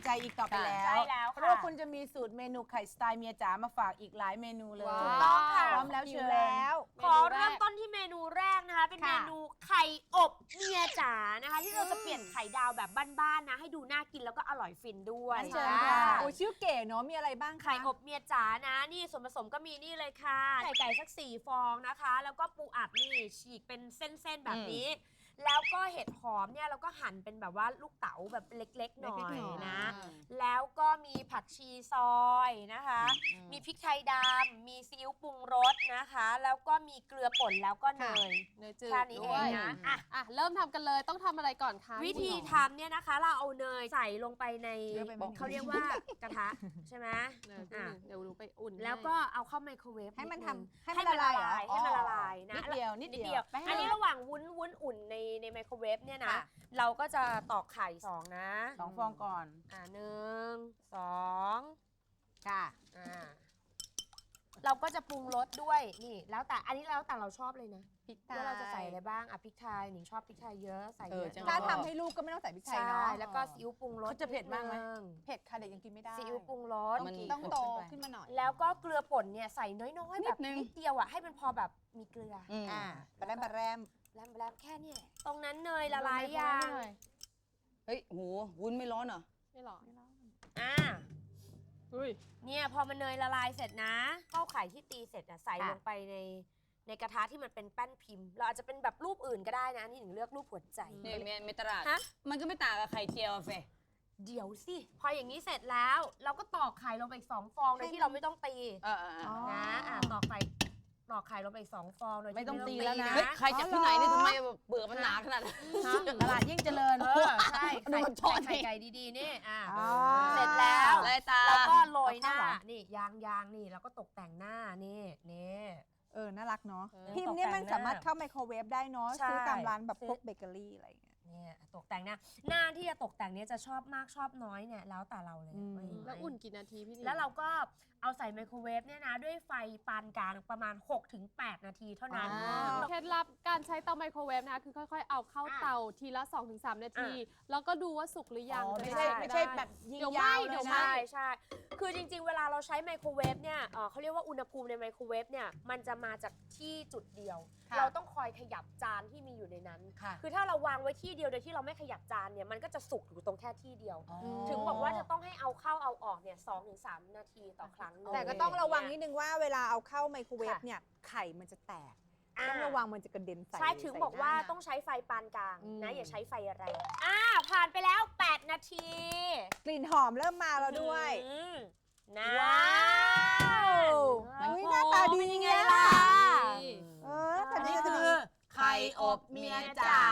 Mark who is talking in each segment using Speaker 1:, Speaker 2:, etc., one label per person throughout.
Speaker 1: ใจอีกต่อไปแล้ว
Speaker 2: ใช่แล้ว
Speaker 1: เพราะว่าคุณจะมีสูตรเมนูไข่สไตล์เมียจ๋ามาฝากอีกหลายเมนูเลย
Speaker 2: ถูกต้องค่ะ
Speaker 1: พร้อมแล้วเชิญ
Speaker 3: แล้ว
Speaker 2: ขอเริ่มต้นที่เมนูแรกนะคะ เป็นเมนูไข่อบเมียจ๋านะคะ ที่เราจะเปลี่ยนไข่ดาวแบบบ้านๆนะ ให้ดูน่ากินแล้วก็อร่อยฟินด้วย
Speaker 1: เชิญค่ะ
Speaker 3: โอ้ชื่อเก๋เนาะมีอะไรบ้างคะ
Speaker 2: ไข่อบเมียจ๋านะ นี่ส่วนผสมก็มีนี่เลยค่ะไข่ไก่สัก4ฟองนะคะ แล้วก็ปูอัดนี่ฉีกเป็นเส้นๆแบบนี้ แล้วก็เห็ดหอมเนี่ยเราก็หั่นเป็นแบบว่าลูกเต๋าแบบเล็กๆหน่อยนะ แล้วก็มีผักชีซอยนะคะ มีพริกไทยดำมีซีอิ๊วปรุงรสนะคะ แล้วก็มีเกลือป่นแล้วก็เนย
Speaker 4: เนยจืด
Speaker 2: แค่นี้เองนะอ่ะ
Speaker 4: เริ่มทำกันเลยต้องทำอะไรก่อนคะ
Speaker 2: วิธีทำเนี่ยนะคะ เราเอาเนยใส่ลงไปในเขาเรียกว่ากระทะใช่ไหม
Speaker 4: เดี๋ยวหนูไปอุ่น
Speaker 2: แล้วก็เอาเข้าไมโครเวฟ
Speaker 3: ให้มัน
Speaker 2: ด
Speaker 3: ทำ
Speaker 2: ง
Speaker 3: ให้มันละลายเหรอ
Speaker 2: ให้มันละลายนะ
Speaker 1: นิดเดียวนิด
Speaker 2: นิด
Speaker 1: เดี
Speaker 2: เดี
Speaker 1: ย
Speaker 2: ยว ว อันนี้ระหว่างวุ้นอุ่นในไมโครเวฟเนี่ยนะ
Speaker 3: ค่ะ
Speaker 2: เราก็จะตอกไข่2นะ
Speaker 1: 2 ฟองก่อน
Speaker 2: 1 2
Speaker 3: ค่ะ
Speaker 2: เราก็จะปรุงรสด้วยนี่แล้วแต่อันนี้แล้วแต่เราชอบเลยนะ
Speaker 3: พริกไท
Speaker 2: ว่าย เราจะใส่อะไรบ้างพริกไทยหนิงชอบพริกไทยเยอะใส่เยอะ
Speaker 3: ถ้าทำให้ลูกก็ไม่ต้องใส่พริกไทย
Speaker 2: ใช่
Speaker 3: เนาะ
Speaker 2: แล้วก็ซีอิ๊วปรุงรส
Speaker 1: เขาจะเผ็ดมากไหม
Speaker 2: นินึง
Speaker 3: เผ็ดค่ะเด็กยังกินไม่ได้
Speaker 2: ซีอิ๊วปรุงรส
Speaker 3: ต้องโตขึ้นมาหน่อย
Speaker 2: แล้วก็เกลือป่นเนี่ยใส่น้อยๆแบบ
Speaker 3: นิดนึง
Speaker 2: นิดเดียวอ่ะให้มันพอแบบมีเกลืออ
Speaker 3: ปลาแรมปลาแรม
Speaker 2: แล้วแค่เนี้ยตรงนั้นเนยละลายยาง
Speaker 5: เฮ้ยโหวุ้นไม่ร้อนเหรอ
Speaker 4: ไม่หรอ
Speaker 2: อ่า
Speaker 4: อุ้ย
Speaker 2: เนี่ยพอมันเนยละลายเสร็จนะข้าวไข่ที่ตีเสร็จอ่ะใส่ลงไปในกระทะที่มันเป็นแป้นพิมพ์ เราอาจจะเป็นแบบรูปอื่นก็ได้นะนี่หนึ่งเลือกรูปหัวใจ
Speaker 5: เนี่ยเมตลาด
Speaker 2: ฮะ
Speaker 5: มันก็ไม่ต่างกับไข่เจียวอะเฟย
Speaker 2: เดี๋ยวสิ พออย่างนี้เสร็จแล้ว เราก็ตอกไข่ลงไปอีก2ฟองโดยที่เราไม่ต้องตีนะตอกไข่ลงไปอีก2ฟองโดยที่
Speaker 1: ไม่ต้องตีแล้วนะ
Speaker 5: เฮ้ยใครจากที่ไหนเนี่ยทำไมแบบเบื่อมันหนาขนาดนั้น
Speaker 1: ตลาดยิ่งเจริญ
Speaker 2: ใช่
Speaker 5: ดูมันทอด
Speaker 2: ไข่ไก่ดีๆนี่
Speaker 1: อ๋อ
Speaker 2: เสร็จแล้ว
Speaker 5: ลายตา
Speaker 2: แล้วก็โรยหน้า
Speaker 1: เอาเข้าเหรอ
Speaker 2: นี่ยางนี่แล้วก็ตกแต่งหน้านี่
Speaker 3: น่ารักเนาะ
Speaker 2: เออ
Speaker 3: พิมพ์เนี่ยมันสามารถเข้าไมโครเวฟได้เนาะ
Speaker 2: ใช่
Speaker 3: ซื้อตามร้านแบบ
Speaker 2: ซื้อ
Speaker 3: พวกเบเกอรี่อะไรอย่างเงี้ย
Speaker 2: เนี่ยตกแต่งหน้าที่จะตกแต่งเนี่ยจะชอบมากชอบน้อยเนี่ยแล้วแต่เราเลย ว่ายังไง
Speaker 4: แล้วอุ่นกี่นาทีพี่นี่
Speaker 2: แล้วเราก็เอาใส่ไมโครเวฟเนี่ยนะด้วยไฟปานกลางประมาณ 6-8 นาทีเท่านั้น
Speaker 4: เคล็ดลับการใช้เตาไมโครเวฟนะคะคือค่อยๆเอาเข้าเตาทีละ 2-3 นาที แล้วก็ดูว่าสุกหรือยัง
Speaker 1: อ๋อ
Speaker 4: จะ
Speaker 1: ไม่
Speaker 4: ด้
Speaker 1: ใช่ไม่ใช่
Speaker 4: ด้
Speaker 1: แบบยิง
Speaker 4: เดี๋ยวไห
Speaker 1: ยาว
Speaker 4: ม้
Speaker 1: เล
Speaker 4: เดี๋ย
Speaker 1: ยว
Speaker 4: ไหม้
Speaker 1: นะ
Speaker 2: ใช่คือจริงๆ เวลาเราใช้ไมโครเวฟเนี่ยเขาเรียกว่าอุณหภูมิในไมโครเวฟเนี่ยมันจะมาจากที่จุดเดียว
Speaker 3: ค่ะ
Speaker 2: เราต้องคอยขยับจานที่มีอยู่ในนั้น
Speaker 1: ค่ะ
Speaker 2: คือถ้าเราวางไว้ที่เดียวโดยที่เราไม่ขยับจานเนี่ยมันก็จะสุกอยู่ตรงแค่ที่เดียว ถึงบอกว่าจะต้องให้เอาเข้าเอาออกเนี่ย2-3 นาทีต่อครั้งหนึ่ง
Speaker 3: แต่ก็ต้องระวังนิดนึงว่าเวลาเอาเข้าไมโครเวฟเนี่ยไข่มันจะแตก ต้องระวังมันจะกระเด็นใส่
Speaker 2: ใช่ถึงบอกว่า
Speaker 3: ใส่หน้
Speaker 2: ต้องใช้ไฟปานกลางนะอย่าใช้ไฟแรงผ่านไปแล้ว 8 นาที
Speaker 3: กลิ่นหอมเริ่มมาแล้วด้วย
Speaker 2: นะ
Speaker 3: ว้าวอุ๊ยหน้าตาดี
Speaker 2: เป็นยังไง
Speaker 3: อะ
Speaker 2: ล่ะ
Speaker 3: แต่
Speaker 1: อัน
Speaker 3: นี่
Speaker 1: นี้
Speaker 3: คื
Speaker 1: คือ อไข่อบเมียจ๋า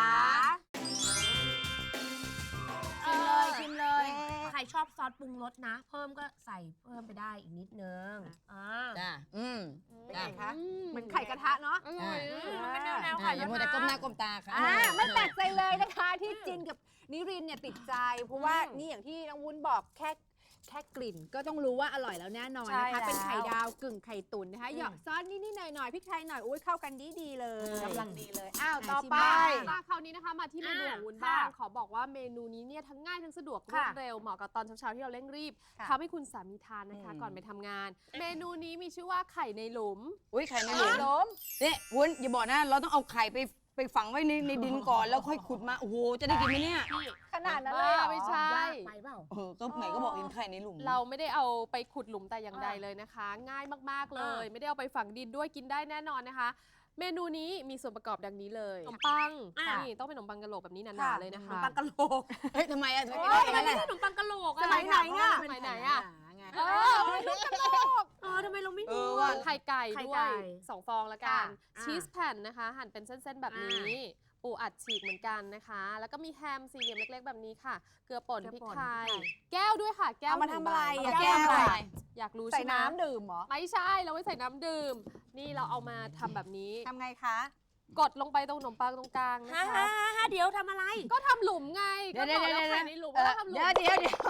Speaker 1: ชิมเลย
Speaker 2: ใครชอบซอสปรุงรสนะ เพิ่มก็ใส่เพิ่มไปได้อีกนิดนึง
Speaker 5: จ้า
Speaker 3: เป็น
Speaker 2: เป็นไง
Speaker 3: ไง
Speaker 2: คะ
Speaker 3: คะเหมือนไข่กระทะเนาะ
Speaker 4: อร่อย
Speaker 2: มันเป็นแนวๆ
Speaker 5: อย่า
Speaker 2: ไข่
Speaker 5: มัวแต่ก้มหน้าก้มตาค่ะ
Speaker 3: ไม่แปลกใจเลยนะคะที่จินกับนิรินทร์เนี่ยติดใจ เพราะว่านี่อย่างที่น้องวุ้นบอกแค่กลิ่นก็ต้องรู้ว่าอร่อยแล้วแน่นอนนะคะ เป็นไข่ดาวกึ่งไข่ตุ๋นนะคะหยอกซอสนิดๆหน่อยๆพริกไทยหน่อยอุ้ยเข้ากันดีๆเลย
Speaker 1: กำลังดีเลย
Speaker 3: อ้าวต่อไป
Speaker 4: มาคราวนี้นะคะมาที่เมนูของวุ้นบ้างขอบอกว่าเมนูนี้เนี่ยทั้งง่ายทั้งสะดวกรวดเร็วเหมาะกับตอนเช้าๆที่เราเร่งรีบ
Speaker 3: ค่ะ
Speaker 4: ทำให้คุณสามีทานนะคะก่อนไปทำงาน เมนูนี้มีชื่อว่าไข่ในหลุม
Speaker 5: อุ้ยไข่ในหลุม
Speaker 3: ล้ม
Speaker 5: เนี่ยวุ้นอย่าบอกนะ เราต้องเอาไข่ไปฝังไว้ในดินก่อนแล้วค่อยขุดมา โอ้โห จะได้กินไหมเนี่ย
Speaker 3: ขนาดนั้นเลยเหรอ
Speaker 4: ไม่ใช่
Speaker 2: ไปเปล่า
Speaker 5: ก็ไหนก็บอกเห็นไข่ในหลุม
Speaker 4: เราไม่ได้เอาไปขุดหลุมแต่อย่างใดเลยนะคะ ง่ายมากๆเลย ไม่ได้เอาไปฝังดินด้วยกินได้แน่นอนนะคะ เมนูนี้มีส่วนประกอบดังนี้เลยขนมปังนี่ต้องเป็นขนมปังกะโหลกแบบนี้หนาๆเลยนะคะ
Speaker 2: ปังกะโหลก
Speaker 5: เฮ้ยทำไมอะทำไม
Speaker 2: โอ้
Speaker 5: ไม่
Speaker 2: ย
Speaker 5: ได้
Speaker 2: มันไม่ใช่ขนมปังกะโหลกอะ
Speaker 3: สมัยไหนอะ
Speaker 4: สมัยไหนอะ
Speaker 1: เออ
Speaker 2: ทำไมเราไม่
Speaker 5: เอ
Speaker 2: รู้
Speaker 5: อว่ะ
Speaker 4: ไข่ไก่
Speaker 2: ไข่
Speaker 4: ด้ว
Speaker 2: ไก่
Speaker 4: ย2 ฟองละกัน
Speaker 2: ค่ะ
Speaker 4: ชีสแผ่นนะคะ หั่นเป็นเส้นๆแบบนี้ ปูอัดฉีกเหมือนกันนะคะ แล้วก็มีแฮมสี่เหลี่ยมเล็กๆแบบนี้ค่ะ เกลือป่น
Speaker 2: เกลือ
Speaker 4: พริก
Speaker 2: ป่น
Speaker 4: ไทย
Speaker 2: พริกไทย
Speaker 4: แก้วด้วยค่ะ แก้ว
Speaker 3: เอามาทำอะไร
Speaker 4: หนึ่ง
Speaker 3: อะ
Speaker 4: ใบ
Speaker 3: แก้วอะไร
Speaker 4: อยากรู้
Speaker 3: ใส่
Speaker 4: ใช่ไหม
Speaker 3: น้ำดื่มเหรอ
Speaker 4: ไม่ใช่ เราไม่ใส่น้ำดื่ม นี่เราเอามาทำแบบนี้
Speaker 3: ทำไงคะ
Speaker 4: กดลงไปตรงขนมปังตรงกลางนะ
Speaker 2: ฮ่า
Speaker 4: คะ
Speaker 2: เดี๋ยวทำอะไร
Speaker 4: ก็ทำหลุมไง ก็บอกแล้วไข่ในหลุมว่าทำหลุม
Speaker 5: เดี๋ยว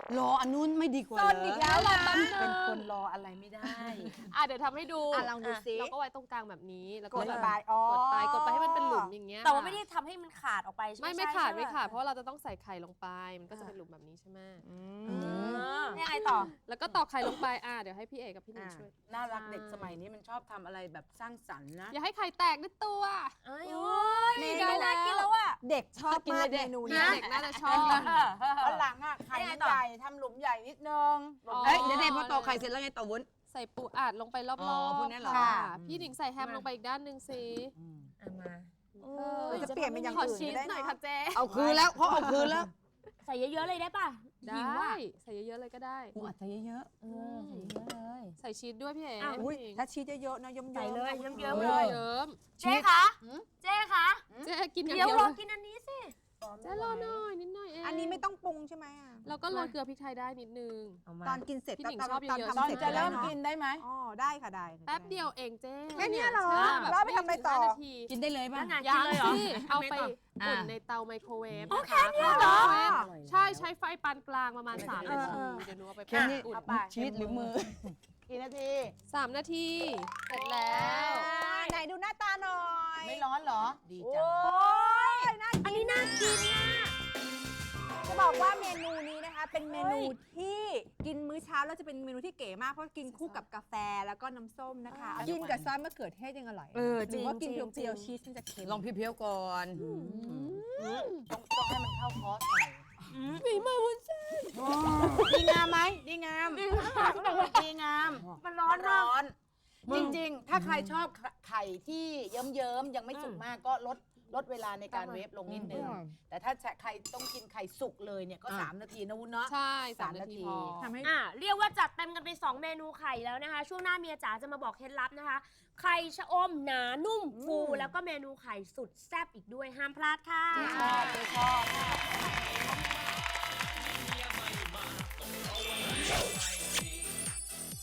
Speaker 5: รออันนู้นไม่ดีกว่า
Speaker 3: ซ
Speaker 5: เหร
Speaker 3: นอีก
Speaker 5: อ
Speaker 3: แล้วล่ะ
Speaker 1: เป็นคนรออะไรไม่ได้
Speaker 4: เดี๋ยวทำให้ดู
Speaker 3: ลองดูซิ
Speaker 4: เราก็ไว้ตรงกลางแบบนี้แล้ว
Speaker 1: ก
Speaker 4: ก็
Speaker 1: ด
Speaker 4: แบบ
Speaker 1: ไปอ๋อก
Speaker 4: ดไปให้มันเป็นหลุมอย่างเงี้ย
Speaker 2: แต่ว่าไม่ได้ทำให้มันขาดออกไปใช่ไหม
Speaker 4: ไม่ขาด
Speaker 2: ใช่
Speaker 4: ไม่
Speaker 2: ห
Speaker 4: ขาดเพราะว่าเราจะต้องใส่ไข่ลงไปมันก็จะเป็นหลุมแบบนี้ใช่ไหม
Speaker 2: ยังไงต่อ
Speaker 4: แล้วก็ตอกไข่ลงไปเดี๋ยวให้พี่เอกกับพี่หนิงช่วย
Speaker 1: น่ารักเด็กสมัยนี้มันชอบทำอะไรแบบสร้างสรรค์นะ
Speaker 4: อย่าให้ไข่แตกด้วยตัว
Speaker 2: เอ้ย
Speaker 3: นี่
Speaker 2: ได้
Speaker 3: ได้แล้ว
Speaker 2: น่ากินแล้วอ่ะ
Speaker 3: เด็กชอบมากเมนูนี้
Speaker 4: เด็กน่าจะชอบ
Speaker 1: วันหลังอ่ะไข่มันใหญ่ทำหลุมใหญ่นิดนึง
Speaker 4: อ๋อ
Speaker 5: เอ้ยเดี๋ยวพอตอกไข่เสร็จแล้วไงต่อวุ้น
Speaker 4: ใส่ปูอัดลงไปรอบ
Speaker 5: อ๋อพวกนี้เหรอ
Speaker 4: ค่ะพี่หนิงใส่แฮมลงไปอีกด้านหนึ่งสิ
Speaker 2: เอามา
Speaker 3: จะเปลี่ยนเป็นอย่าง
Speaker 4: ขอ
Speaker 3: อื่น
Speaker 4: ชีส
Speaker 3: ก็ได้
Speaker 4: หน่อย
Speaker 3: เนาะ
Speaker 4: ค่ะเจ๊
Speaker 5: เอาคืนแล้วเขาเอาคืนแล้ว
Speaker 2: ใส่เยอะๆเลยได้ป่ะ
Speaker 4: ได้
Speaker 2: หิวอ่ะ
Speaker 4: ใส่เยอะๆเลยก็ได้
Speaker 5: กูอัดเยอะ
Speaker 2: ใส่เยอะเลย
Speaker 4: ใส่ชีสด้วยพี่เอ๋
Speaker 2: อ้าว
Speaker 3: อุ้ย
Speaker 4: พี่หนิง
Speaker 3: ถ้าชีสเยอะๆนะเยิ้มๆ
Speaker 2: ใส่เลยเยิ้มๆ
Speaker 4: เยิ้
Speaker 2: เลย
Speaker 4: ม
Speaker 2: เจ๊คะเจ๊คะ
Speaker 4: ๆเจ๊กินอย่าง
Speaker 2: เดี๋ยว
Speaker 4: เดียว
Speaker 2: ร
Speaker 4: เล
Speaker 2: อย กินอันนี้สิ
Speaker 4: เจ๊รอหน่อยนิดหน่อยเอง
Speaker 3: อันนี้ไม่ต้องปรุงใช่ไหมอะ
Speaker 4: แล้วก็โรยเกลือพริกไทยได้นิดนึง
Speaker 3: ตอนกินเสร็จ
Speaker 4: พี่หนิง
Speaker 3: ตอน
Speaker 4: ชอบเยอะๆ
Speaker 3: ทำ
Speaker 1: ตอน
Speaker 3: เสร็จ
Speaker 1: จะเริ่ม
Speaker 3: ได้
Speaker 1: กินได้ไหม
Speaker 3: อ๋อได้ค่ะได้ค่ะ
Speaker 4: แป๊บเดียวเองเจ๊
Speaker 3: แค่เนี้ยเหรอ
Speaker 4: ใช่บบ
Speaker 3: แล้วไปทำอะไรต่อ
Speaker 4: ม่ถึง5นาที
Speaker 5: ๆ กินได้เลยป่ะ
Speaker 2: นั่นไง
Speaker 4: ยั
Speaker 2: กิน
Speaker 4: ง
Speaker 2: เลยเหรอ
Speaker 4: สิเอาไป
Speaker 5: อ่า
Speaker 4: อุ่นในเตาไมโครเวฟ
Speaker 2: อ๋อ
Speaker 4: นะคะ
Speaker 2: แค่เนี้ยเหรอ
Speaker 4: ไมโครเวฟใช่ใช้ไฟปานกลางประมาณ3 นาทีเดี๋ยวหนูเอาไป
Speaker 5: แค่นี้
Speaker 4: อุ่น
Speaker 1: เอาไป
Speaker 5: ชีสหรือมือ
Speaker 1: กี่นาที
Speaker 4: 3 นาทีเสร็จแล้ว
Speaker 3: ไหนดูหน้าตาหน่อย
Speaker 1: ไม่ร้อนเหรอ ดีจัง
Speaker 3: โอ้ยน่า
Speaker 2: อันนี้น่ากินนะ
Speaker 3: จะบอกว่าเมนูนี้นะคะ เป็นเมนูที่กินมื้อเช้าแล้วจะเป็นเมนูที่เก๋มากเพราะกินคู่กับกาแฟแล้วก็น้ำส้มนะคะ กินกับซอสมะเขือเทศยังอร่อย
Speaker 2: จริง
Speaker 3: หรือว่ากิน
Speaker 2: จริง
Speaker 3: เปรี้ยวๆชีสมันจะเค็ม
Speaker 5: ลองเพียวๆก่อน
Speaker 1: ต้องให้มันเข้าคอร์สหน่อย
Speaker 3: ฝีมือวุ้นเส้น
Speaker 1: ดีงามไหมดีงามดีงาม
Speaker 2: มันร้อนมาก
Speaker 1: ร้อน จริงๆ ถ้าใครชอบไข่ที่เยิ้มๆ ยังไม่สุกมากก็ลดเวลาในการเวฟลงนิดนึง แต่ถ้าใครต้องกินไข่สุกเลยเนี่ยก็ 3 นาทีนะวุ้นเนาะ
Speaker 4: ใช่
Speaker 1: สาม
Speaker 4: 3 นาที
Speaker 1: นาที
Speaker 4: พอ
Speaker 3: ทำให้
Speaker 2: เรียกว่าจัดเต็มกันไป 2 เมนูไข่แล้วนะคะ ช่วงหน้าเมียจ๋าจะมาบอกเคล็ดลับนะคะ ไข่ชะอมหนานุ่มฟู แล้วก็เมนูไข่สุดแซ่บอีกด้วยห้ามพลาดค่ะ
Speaker 1: ชอบ